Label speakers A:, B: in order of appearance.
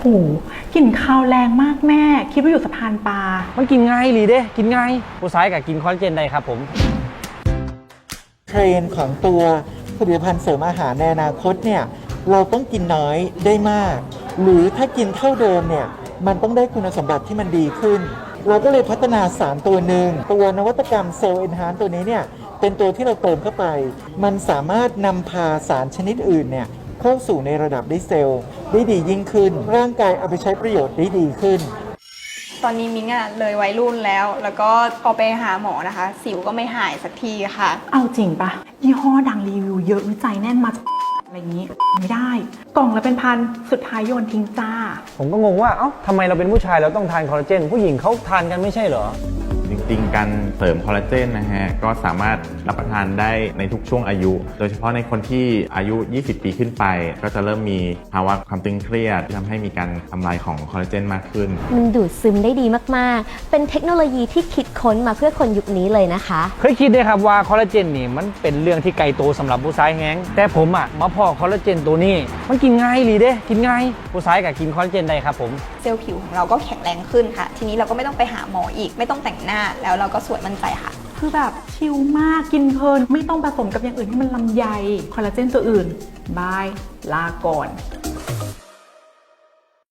A: โอ้กลิ่นคาวแรงมากแม่คิดว่าอยู่สะพานปลา
B: มันกินง่ายหรือเด้กินง่ายผู้ชายก็กินคอลลาเจนได้ครับผม
C: เทรนด์ของตัวผลิตภัณฑ์เสริมอาหารในอนาคตเนี่ยเราต้องกินน้อยได้มากหรือถ้ากินเท่าเดิมเนี่ยมันต้องได้คุณสมบัติที่มันดีขึ้นเราก็เลยพัฒนาสารตัวหนึ่งตัวนวัตกรรมเซลล์เอนฮานตัวนี้เนี่ยเป็นตัวที่เราเติมเข้าไปมันสามารถนำพาสารชนิดอื่นเนี่ยเข้าสู่ในระดับได้เซลล์ได้ดียิ่งขึ้นร่างกายเอาไปใช้ประโยชน์ได้ดีขึ้น
D: ตอนนี้มิ้งเลยวัยรุ่นแล้วก็พอไปหาหมอนะคะสิวก็ไม่หายสักทีค่ะ
A: เอาจริงปะยี่ห้อดังรีวิวเยอะวิจัยแน่นมาอะไรอย่างนี้ไม่ได้กล่องละเป็นพันสุดท้ายโยนทิ้งจ้า
B: ผมก็งงว่าเอ้าทำไมเราเป็นผู้ชายเราต้องทานคอลลาเจนผู้หญิงเขาทานกันไม่ใช่เหรอ
E: จริงๆการเสริมคอลลาเจนนะฮะก็สามารถรับประทานได้ในทุกช่วงอายุโดยเฉพาะในคนที่อายุ20 ปีขึ้นไปก็จะเริ่มมีภาวะความตึงเครียดที่ทำให้มีการทำลายของคอลลาเจนมากขึ้น
F: มันดูดซึมได้ดีมากๆเป็นเทคโนโลยีที่คิดค้นมาเพื่อคนยุคนี้เลยนะคะ
B: เคยคิดด้วยครับว่าคอลลาเจนนี่มันเป็นเรื่องที่ไกลตัวสำหรับผู้ชายแฮงแต่ผมมาพอคอลลาเจนตัวนี้มันกินง่ายหรือเด้กินง่ายผู้ชายก็กินคอลลาเจนได้ครับผม
D: เซลล์ผิวของเราก็แข็งแรงขึ้นค่ะทีนี้เราก็ไม่ต้องไปหาหมออีกไม่ต้องแต่งหน้าแล้วเราก็สวยมั่นใจค่ะ
A: คือแบบชิลมากกินเพลินไม่ต้องผสมกับอย่างอื่นที่มันลำไยคอลลาเจนตัวอื่นบายลาก่อน